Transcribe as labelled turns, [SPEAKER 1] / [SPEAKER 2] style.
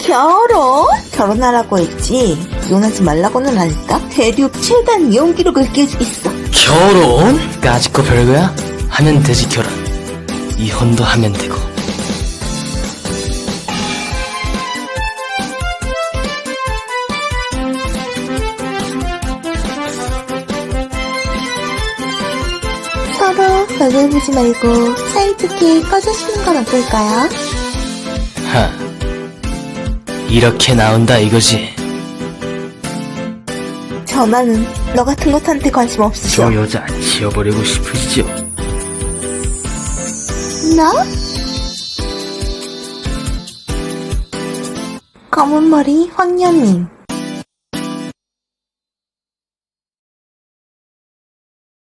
[SPEAKER 1] 결혼? 결혼하라고 했지. 이혼하지 말라고는 안 했다. 대륙 최단 이혼 기록을 깨주겠어.
[SPEAKER 2] 결혼? 까짓 거 별거야? 하면 되지 결혼. 이혼도 하면 되고.
[SPEAKER 1] 서로 벽을 보지 말고 사이좋게 꺼주시는 건 어떨까요?
[SPEAKER 2] 하. 이렇게 나온다 이거지.
[SPEAKER 1] 전화는 너 같은 것한테 관심 없으셔.
[SPEAKER 2] 저 여자 지워버리고 싶으시죠?
[SPEAKER 1] 나? 검은머리 황녀님.